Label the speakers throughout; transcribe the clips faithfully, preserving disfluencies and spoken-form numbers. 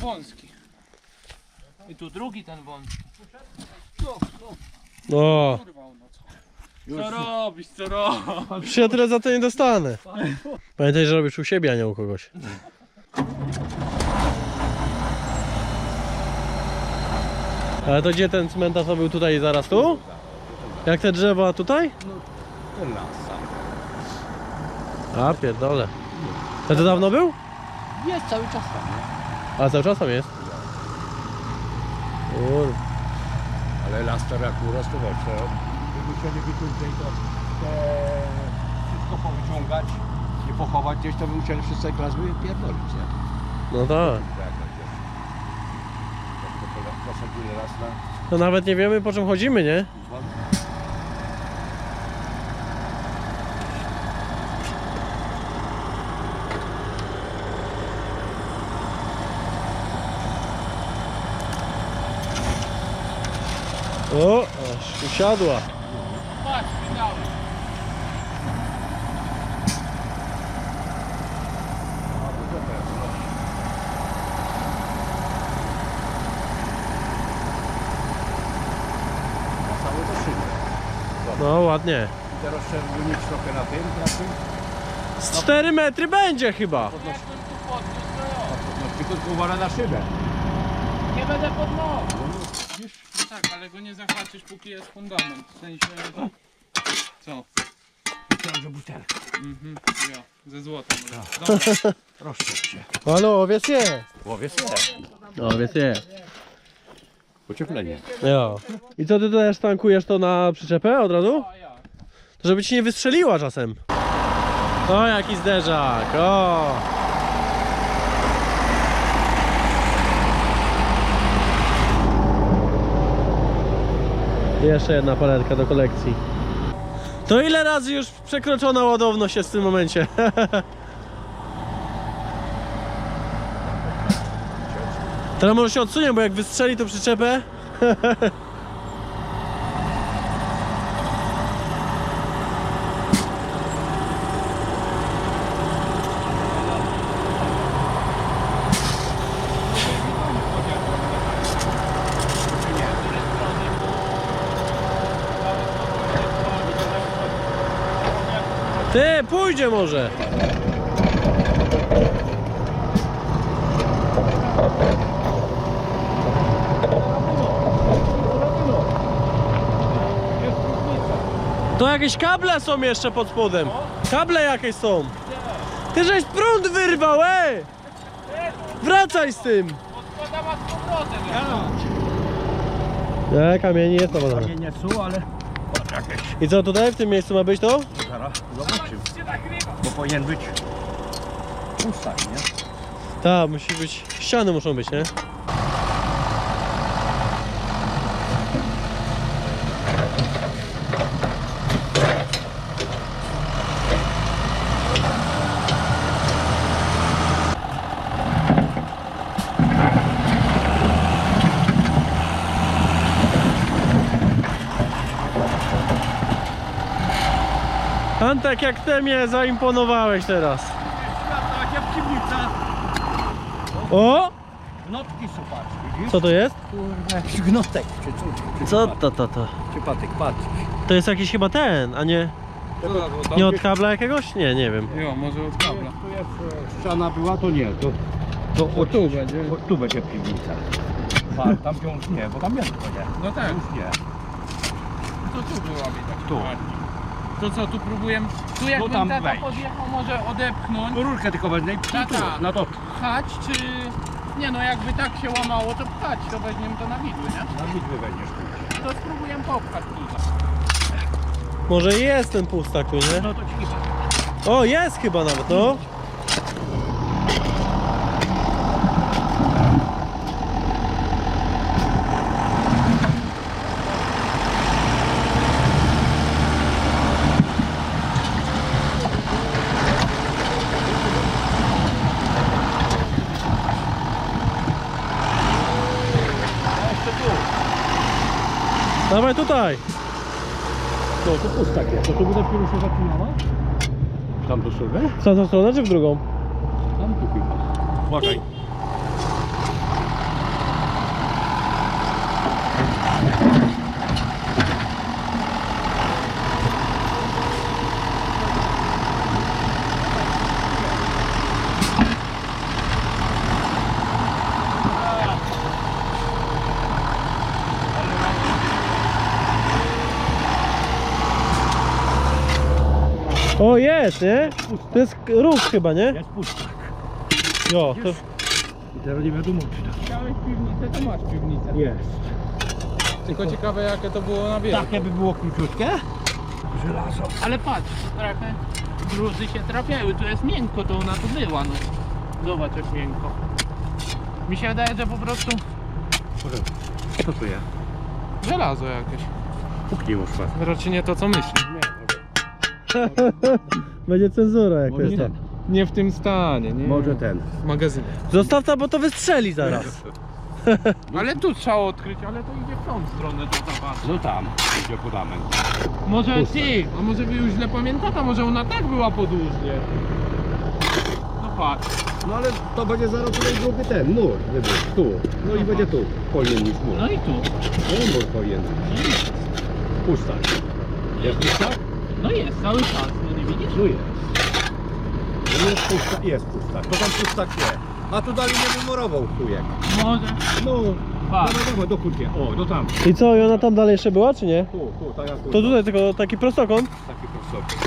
Speaker 1: wąski. I tu drugi ten wąski.
Speaker 2: O,
Speaker 1: Co robisz, co robisz?
Speaker 2: przecież ja tyle za to nie dostanę. Pamiętaj, że robisz u siebie, a nie u kogoś. Ale to gdzie ten cmentarz był tutaj zaraz tu? Jak te drzewa tutaj?
Speaker 3: Ten las sam.
Speaker 2: A pierdole. To to dawno był?
Speaker 3: Jest cały czas tam, nie?
Speaker 2: A cały czas tam jest? Kur...
Speaker 3: Ale las teraz akurat to weź, gdyby musieli wyciągnąć to te, wszystko powyciągać i pochować gdzieś, to by musieli wszystkie klas wypierdolić, nie?
Speaker 2: No tak.
Speaker 3: Jak na gdzieś. Jak to pola- posadzili raz na...
Speaker 2: To nawet nie wiemy, po czym chodzimy, nie? O, aż usiadła.
Speaker 1: Patrz, widziałem.
Speaker 3: Całe to szyby.
Speaker 2: No ładnie.
Speaker 3: I teraz trzeba wymienić trochę na tym, na tym.
Speaker 2: Z cztery metry będzie chyba.
Speaker 1: Jak bym tu podniósł, to ja.
Speaker 3: No, tylko uważaj na szybę.
Speaker 1: Nie będę podnosił. No tak, ale go nie zahaczysz, póki jest fundament. W sensie... Co?
Speaker 3: Myślałem, że butelka.
Speaker 1: Mhm, ja. Ze złota może. Dobra.
Speaker 3: Rozszczep się.
Speaker 2: Ale owiec jest.
Speaker 3: Łowiec jest.
Speaker 2: Owiec jest.
Speaker 3: Pocieplenie.
Speaker 2: Jo. I co ty też tankujesz to na przyczepę od razu?
Speaker 1: A ja.
Speaker 2: To żeby ci nie wystrzeliła czasem. O, jaki zderzak. O. Jeszcze jedna paletka do kolekcji. To ile razy już przekroczona ładowność jest w tym momencie? Teraz może się odsunie, bo jak wystrzeli to przyczepę. Ty, pójdzie może. To jakieś kable są jeszcze pod spodem. Kable jakieś są. Ty żeś prąd wyrwał, ej! Wracaj z tym.
Speaker 1: Podkładam z powrotem. Ja.
Speaker 2: Nie, kamieni jest to
Speaker 3: Nie, nie są, ale... Patrz jakieś.
Speaker 2: I co tutaj w tym miejscu ma być to?
Speaker 3: Zaraz zobaczymy. Bo powinien być... Pustak, nie?
Speaker 2: Tak, musi być. Ściany muszą być, nie? Antek, jak ty mnie zaimponowałeś teraz.
Speaker 3: Tak jak piwnica.
Speaker 2: O!
Speaker 3: Gnotki są, patrz, widzisz?
Speaker 2: Co to jest?
Speaker 3: Kurwa, jakiś gnotek, czy co? Czy, czy
Speaker 2: Co
Speaker 3: patyk,
Speaker 2: to, to, to?
Speaker 3: Czy patyk, patyk.
Speaker 2: To jest jakiś chyba ten, a nie... Nie od kabla jakiegoś? Nie, nie wiem.
Speaker 1: Jo, może od kabla.
Speaker 3: Tu jest e, ściana była, to nie, to... To od, tu będzie. Od, tu będzie piwnica. A, tam już nie, bo tam jest to nie.
Speaker 1: No tak.
Speaker 3: Już nie.
Speaker 1: To tu byłaby tak
Speaker 3: Tu.
Speaker 1: bardziej. To co, tu próbuję... Tu jakbym
Speaker 3: tam
Speaker 1: tata
Speaker 3: wejdź.
Speaker 1: podjechał, może odepchnąć,
Speaker 3: Rurkę tylko wezmę i
Speaker 1: Tata.
Speaker 3: tu, na to.
Speaker 1: pchać, czy... Nie no, jakby tak się łamało, to pchać, to weźmiemy to na widły, nie?
Speaker 3: Na widły weźmiesz tu.
Speaker 1: To spróbuję popchać tutaj.
Speaker 2: Może jest ten pustak tu, nie?
Speaker 3: No to ci chyba.
Speaker 2: O, jest chyba nawet, no. Dawaj tutaj.
Speaker 3: No to pustak jest. To tu by dopiero się zaczynała? Tam do sobie?
Speaker 2: W tamtą stronę czy w drugą?
Speaker 3: Tam tu chyba. Uważaj.
Speaker 2: O, jest, nie? To jest róg chyba, nie?
Speaker 3: Jest pustak.
Speaker 2: Jo, to...
Speaker 3: I teraz nie wiadomo czy tam.
Speaker 1: Chciałeś piwnicę, to masz piwnicę.
Speaker 3: Jest.
Speaker 1: Tylko ciekawe jakie to było na wielku.
Speaker 3: Takie by było króciutkie? Żelazo.
Speaker 1: Ale patrz, trochę gruzy się trafiały, tu jest miękko, to ona tu była, no. Zobacz jak miękko. Mi się wydaje, że po prostu
Speaker 3: Może. Co tu jest?
Speaker 1: żelazo jakieś.
Speaker 3: Puknij już was.
Speaker 1: Raczej nie to co myślisz.
Speaker 3: Nie, może.
Speaker 2: Będzie cenzura
Speaker 3: Może
Speaker 2: jakaś
Speaker 3: ten.
Speaker 2: tam.
Speaker 1: Nie w tym stanie, nie.
Speaker 3: Może ten.
Speaker 1: W magazynie.
Speaker 2: Zostaw to, bo to wystrzeli zaraz.
Speaker 1: Ale tu trzeba odkryć, ale to idzie w tą stronę to zobacz.
Speaker 3: No tam, idzie fundament.
Speaker 1: Może
Speaker 3: Pusta.
Speaker 1: ty, a może wy już źle pamiętacie, może ona tak była podłużnie. No patrz.
Speaker 3: No ale to będzie zaraz tutaj drugi ten mur, wybuch, tu. No i będzie tu, powinien niż mur.
Speaker 1: No i tu.
Speaker 3: No mur powinien. Pustak. Jest pustak?
Speaker 1: No jest, cały czas, no nie widzisz?
Speaker 3: Tu jest. No jest pustak, jest pustak. To tam pustak nie. A tu dalej nie wymurował chujek.
Speaker 1: Może.
Speaker 3: No,
Speaker 1: Patrz.
Speaker 3: dawaj, dawaj, do kurcie. O, do tam.
Speaker 2: I co, i ona tam dalej jeszcze była, czy nie?
Speaker 3: Tu, tu, tak jak tu.
Speaker 2: To tutaj tylko taki prostokąt.
Speaker 3: Taki prostok.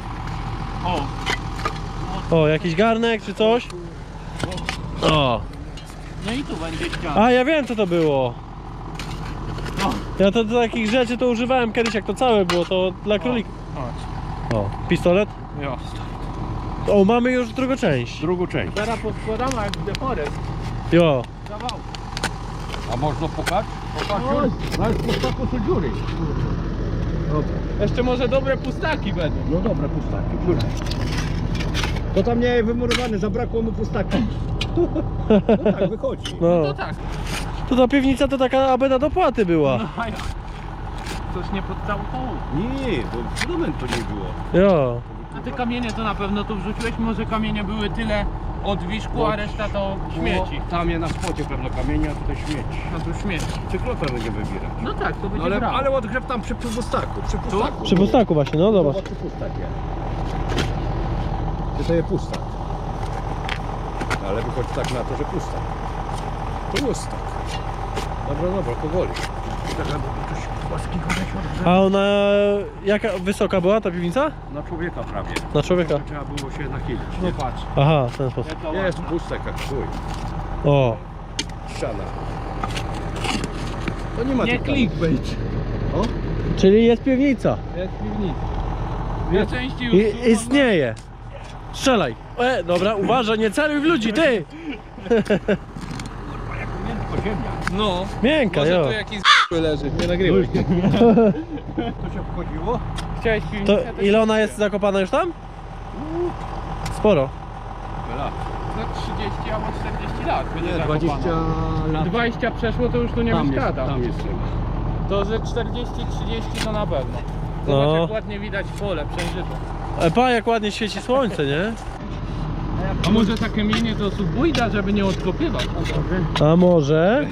Speaker 1: O.
Speaker 2: O, jakiś garnek czy coś. O.
Speaker 1: No i tu będzie ściana.
Speaker 2: A, ja wiem co to było.
Speaker 1: No.
Speaker 2: Ja to do takich rzeczy to używałem kiedyś, jak to całe było, to dla królików.
Speaker 1: Chodź.
Speaker 2: O, pistolet.
Speaker 1: Jo.
Speaker 2: O, mamy już drugą część.
Speaker 3: Drugą część.
Speaker 1: Teraz podkładamy jak w The Forest.
Speaker 2: Jo.
Speaker 1: Zawał.
Speaker 3: A można pokać? Pokać
Speaker 1: Chodź.
Speaker 3: Nawet w pustaku są dziury. Dobra.
Speaker 1: Jeszcze może dobre pustaki będą.
Speaker 3: No dobra, pustaki, dziury. To tam nie wymurowane, zabrakło mu pustaki. No tak, wychodzi.
Speaker 1: No
Speaker 2: No.
Speaker 1: to tak.
Speaker 2: To ta piwnica to taka aby na dopłaty była.
Speaker 1: No a jak? Coś nie pod całą kołą.
Speaker 3: Nie, bo fundamentu nie było.
Speaker 2: Jo.
Speaker 1: A te kamienie to na pewno tu wrzuciłeś? Może kamienie były tyle od wiszku, a reszta to śmieci.
Speaker 3: Bo tam jest na spocie pewno kamienia, a tutaj śmieci.
Speaker 1: No tu śmieci.
Speaker 3: Cyklopę będzie wybierać.
Speaker 1: No tak, to będzie
Speaker 3: No ale,
Speaker 1: brało.
Speaker 3: ale odgrzew tam przy pustaku, przy pustaku.
Speaker 2: Przy pustaku właśnie, no zobacz.
Speaker 3: Zobacz, czy pustak jest. Czy to jest pustak? Ale wychodzi tak na to, że pustak. To pustak. Dobra, dobra, powoli. Tak, bo tu coś płaskiego się
Speaker 2: A ona jaka wysoka była ta piwnica?
Speaker 3: na człowieka prawie.
Speaker 2: Na człowieka.
Speaker 3: To trzeba było się nachylić.
Speaker 1: No
Speaker 3: Nie?
Speaker 1: patrz.
Speaker 2: Aha, w ten sposób.
Speaker 1: Jaka
Speaker 3: Jest
Speaker 1: ładna.
Speaker 3: pustak jak chuj.
Speaker 2: O.
Speaker 3: Ściana. To nie ma
Speaker 1: Nie
Speaker 3: tych tam-
Speaker 1: clickbait.
Speaker 3: O?
Speaker 2: Czyli jest piwnica.
Speaker 1: Jest piwnica. Dwie części już
Speaker 2: I,
Speaker 1: są,
Speaker 2: istnieje. Strzelaj. E, dobra, uważaj, nie celuj w ludzi, ty!
Speaker 3: Miękko ziemia.
Speaker 1: No.
Speaker 2: Miękka,
Speaker 1: Może
Speaker 2: jo.
Speaker 1: tu jakiś leży, nie nagrywaj.
Speaker 3: To się wchodziło?
Speaker 1: Chciałeś
Speaker 2: To
Speaker 1: piwnicę?
Speaker 2: ile ona jest zakopana już tam? Sporo.
Speaker 3: Lat.
Speaker 1: No trzydzieści albo czterdzieści lat będzie
Speaker 3: Nie,
Speaker 1: zakopana.
Speaker 3: dwadzieścia lat.
Speaker 1: dwadzieścia przeszło to już tu nie
Speaker 3: Tam jest,
Speaker 1: wyszkada.
Speaker 3: tam jest.
Speaker 1: To ze czterdzieści trzydzieści to na pewno. Zobacz
Speaker 2: No.
Speaker 1: jak ładnie widać pole przejrzyste.
Speaker 2: E, pa, jak ładnie świeci słońce, nie?
Speaker 1: A może takie kamienie to subójda, żeby nie odkopywać?
Speaker 2: A może?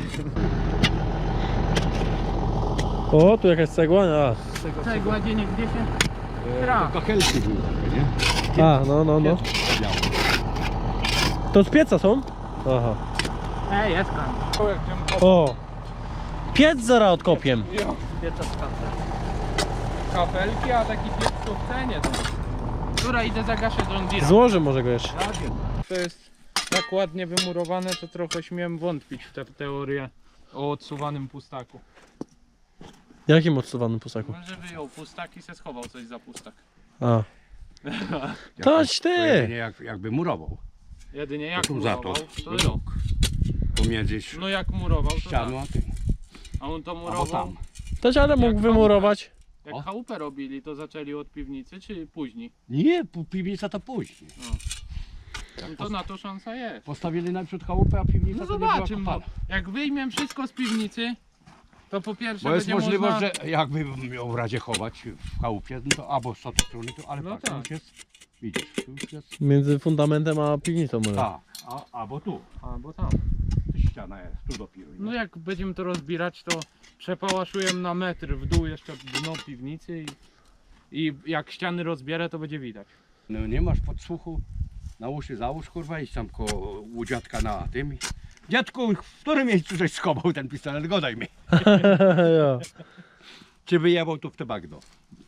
Speaker 2: O, tu jakaś cegła? A,
Speaker 1: Cegła gdzie nie gdzie się...
Speaker 3: E,
Speaker 1: Tra.
Speaker 3: to kachelki były takie, nie?
Speaker 2: a no, no, no.
Speaker 3: Białe.
Speaker 2: To z pieca są? Aha.
Speaker 1: Ej, jest tam.
Speaker 2: O! Piec zaraz odkopiem.
Speaker 1: Jo, pieca z kafelki. Kafelki, a taki piec to w cenie to. Która idę zagaszę John Deere.
Speaker 2: Złożę może go jeszcze.
Speaker 1: To jest tak ładnie wymurowane, to trochę śmiem wątpić w tę teorię o odsuwanym pustaku.
Speaker 2: Jakim odsuwanym pustaku?
Speaker 1: Może wyjął pustak i se schował coś za pustak.
Speaker 2: A. Toć
Speaker 3: To
Speaker 2: ty!
Speaker 3: jedynie jak, jakby murował.
Speaker 1: Jedynie jak
Speaker 3: Tu za to.
Speaker 1: murował, to
Speaker 3: No.
Speaker 1: rok.
Speaker 3: Pomiędzy
Speaker 1: No jak murował, to
Speaker 3: ścianą
Speaker 1: tak.
Speaker 3: a tym.
Speaker 1: A on to
Speaker 3: Albo
Speaker 1: murował.
Speaker 3: tam.
Speaker 2: Toć ale mógł
Speaker 1: Jak
Speaker 2: wymurować.
Speaker 1: Jak
Speaker 3: O.
Speaker 1: chałupę robili, to zaczęli od piwnicy, czy później?
Speaker 3: Nie, pu- piwnica to później.
Speaker 1: To na to szansa jest.
Speaker 3: Postawili najpierw chałupę, a piwnica
Speaker 1: No
Speaker 3: to nie była
Speaker 1: zobaczymy. No.
Speaker 3: kopana.
Speaker 1: Jak wyjmiemy wszystko z piwnicy, to po pierwsze
Speaker 3: Bo jest
Speaker 1: będzie
Speaker 3: możliwość,
Speaker 1: można...
Speaker 3: że jakby miał w razie chować w chałupie, no to albo z tej strony, to, ale
Speaker 1: No
Speaker 3: patrz,
Speaker 1: tak.
Speaker 3: tu już jest, widzisz, tu już jest,
Speaker 2: Między fundamentem a piwnicą może.
Speaker 3: tak, a, albo tu,
Speaker 1: A, bo tam.
Speaker 3: tu ściana jest, tu dopiero.
Speaker 1: No jak będziemy to rozbierać, to przepałaszujemy na metr w dół jeszcze dno piwnicy i, i jak ściany rozbierę, to będzie widać.
Speaker 3: No nie masz podsłuchu, na uszy załóż kurwa, idź tam koło u dziadka na tym. i- Dziadku, w którym miejscu żeś schował ten pistolet, godaj mi.
Speaker 2: Jo.
Speaker 3: Czy wyjebał tu w te bagno?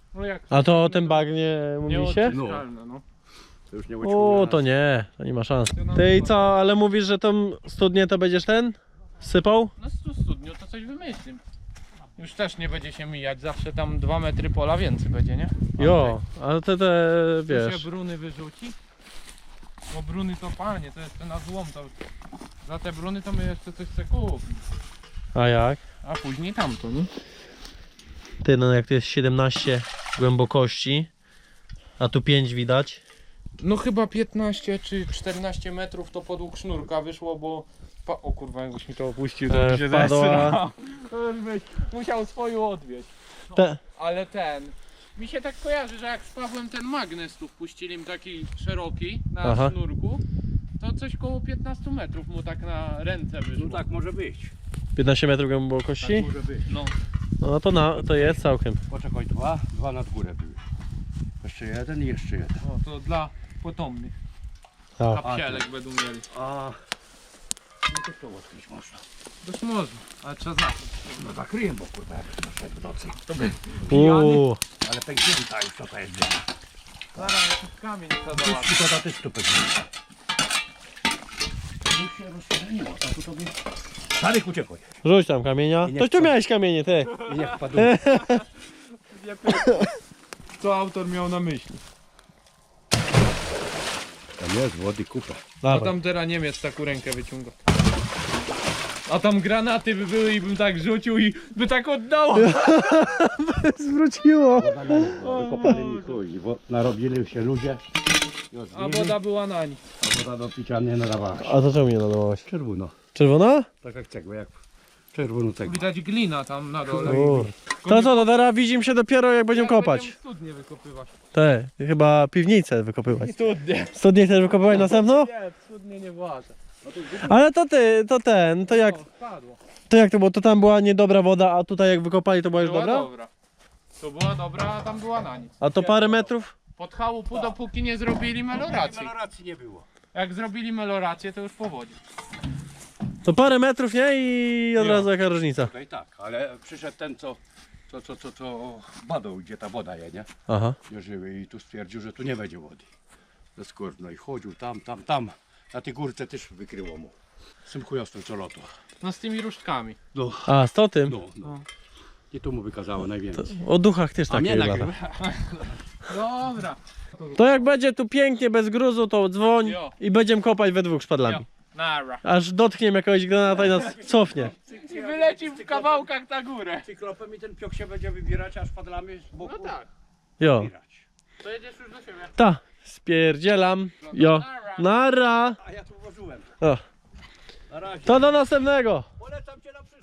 Speaker 1: No jak
Speaker 2: A to o tym bagnie mówicie?
Speaker 1: nieodczyszczalne, no.
Speaker 3: To już nie
Speaker 2: O, to nie, to nie ma szans. Ty i co, ale mówisz, że tą studnię to będziesz ten? Sypał?
Speaker 1: No z tu studniu to coś wymyślim. Już też nie będzie się mijać, zawsze tam dwa metry pola więcej będzie, nie?
Speaker 2: Jo, ale te, te,
Speaker 1: Tu
Speaker 2: wiesz...
Speaker 1: się bruny wyrzuci. Bo bruny to panie, to jeszcze na złom to... Za te bruny to my jeszcze coś chcę kupić.
Speaker 2: A jak?
Speaker 1: A później tamto, nie?
Speaker 2: Ty, no jak to jest siedemnaście głębokości, a tu pięć widać.
Speaker 1: No chyba piętnaście czy czternaście metrów to podług sznurka wyszło, bo... Pa... O kurwa, jakbyś mi to opuścił, to
Speaker 2: E,
Speaker 1: by się
Speaker 2: wpadła.
Speaker 1: zesrał. To już byś musiał swoją odwieźć.
Speaker 2: Te,
Speaker 1: Ale ten... Mi się tak kojarzy, że jak z Pawłem ten magnes tu wpuścili im taki szeroki na
Speaker 2: Aha.
Speaker 1: sznurku, to coś koło piętnaście metrów mu tak na ręce wyszło.
Speaker 3: No tak może być.
Speaker 2: piętnaście metrów głębokości?
Speaker 3: Tak może być.
Speaker 1: No.
Speaker 2: No to, na, to jest całkiem.
Speaker 3: Poczekaj, dwa, dwa nad górę były. Jeszcze jeden i jeszcze jeden.
Speaker 1: O, to dla potomnych.
Speaker 2: Tak.
Speaker 1: Kapcielek będą mieli.
Speaker 3: A no to to odkryć można.
Speaker 1: Dość można, ale trzeba zacząć.
Speaker 3: No zakryję, bo kurwa jak to szedł w nocy. To by
Speaker 2: Uuu,
Speaker 3: ale pęknięta już to to jest dyma.
Speaker 1: Zaraz jakiś kamień trzeba załatwić.
Speaker 3: I to na też to pęknięta. To już się rozprzestrzeniło, a tu tobie... Szarek uciekaj.
Speaker 2: rzuć tam kamienia.
Speaker 3: I nie
Speaker 2: Toś tu
Speaker 3: wpadł.
Speaker 2: miałeś kamienie, ty.
Speaker 3: I niech wpadł.
Speaker 1: Co autor miał na myśli?
Speaker 3: Tam jest wody kupa.
Speaker 1: A
Speaker 2: Dawaj.
Speaker 1: tam teraz Niemiec taką rękę wyciąga. A tam granaty by były i bym tak rzucił i by tak oddało.
Speaker 2: Zwróciło.
Speaker 3: Wykopali mi chuj. Bo narobili się ludzie. I
Speaker 1: A
Speaker 3: odbili,
Speaker 1: woda była na nich.
Speaker 3: a woda do picia nie nadawała się.
Speaker 2: A to czemu nie nadawałaś?
Speaker 3: Czerwono.
Speaker 2: Czerwona?
Speaker 3: Tak jak cegła, jak czerwoną cegłę.
Speaker 1: Widać glina tam na dole.
Speaker 2: Kur. To co, to teraz widzimy się dopiero jak będziemy kopać.
Speaker 1: Będziemy studnie wykopywać.
Speaker 2: Te, chyba piwnicę wykopywać.
Speaker 1: Studnie.
Speaker 2: Studnie chcesz wykopywać następną?
Speaker 1: Nie, studnie nie władzę.
Speaker 2: Ale to ty, to ten, to jak,
Speaker 1: O, spadło.
Speaker 2: to jak to było? To tam była niedobra woda, a tutaj jak wykopali to była już
Speaker 1: Była
Speaker 2: dobra?
Speaker 1: dobra. To była dobra, a tam była na nic.
Speaker 2: A to parę metrów?
Speaker 1: Pod chałupu dopóki nie zrobili meloracji.
Speaker 3: Meloracji nie było.
Speaker 1: Jak zrobili melorację to już po wodzie.
Speaker 2: To parę metrów, nie? I od
Speaker 1: Jo.
Speaker 2: razu jaka różnica.
Speaker 3: Tutaj tak, ale przyszedł ten, co, co, co, co, co badał, gdzie ta woda je, nie?
Speaker 2: Aha.
Speaker 3: Nie żywy i tu stwierdził, że tu nie będzie wody. Ze skórno i chodził tam, tam, tam. Na tej górce też wykryło mu. Z tym chujostwem co lotu.
Speaker 1: No z tymi różdżkami.
Speaker 3: No,
Speaker 2: A, z to tym?
Speaker 3: no, no. I tu mu wykazało najwięcej.
Speaker 2: O duchach też
Speaker 3: A
Speaker 2: takie
Speaker 3: mnie
Speaker 2: lata.
Speaker 3: nagrywa.
Speaker 1: Dobra.
Speaker 2: To jak będzie tu pięknie, bez gruzu, to dzwoń
Speaker 1: Jo.
Speaker 2: i będziemy kopać we dwóch szpadlami.
Speaker 1: Jo. Nara.
Speaker 2: Aż dotkniemy jakiegoś granata i nas cofnie.
Speaker 1: I wyleci w kawałkach na górę.
Speaker 3: Cyklopem i ten piok się będzie wybierać, a szpadlami z boku
Speaker 1: No tak.
Speaker 2: Jo.
Speaker 3: wybierać.
Speaker 1: To jedziesz już do siebie.
Speaker 2: Ta, spierdzielam. Jo. Nara.
Speaker 3: A ja tu włożyłem.
Speaker 2: O.
Speaker 3: Na razie.
Speaker 2: To do następnego.
Speaker 3: Polecam cię na przyszłość.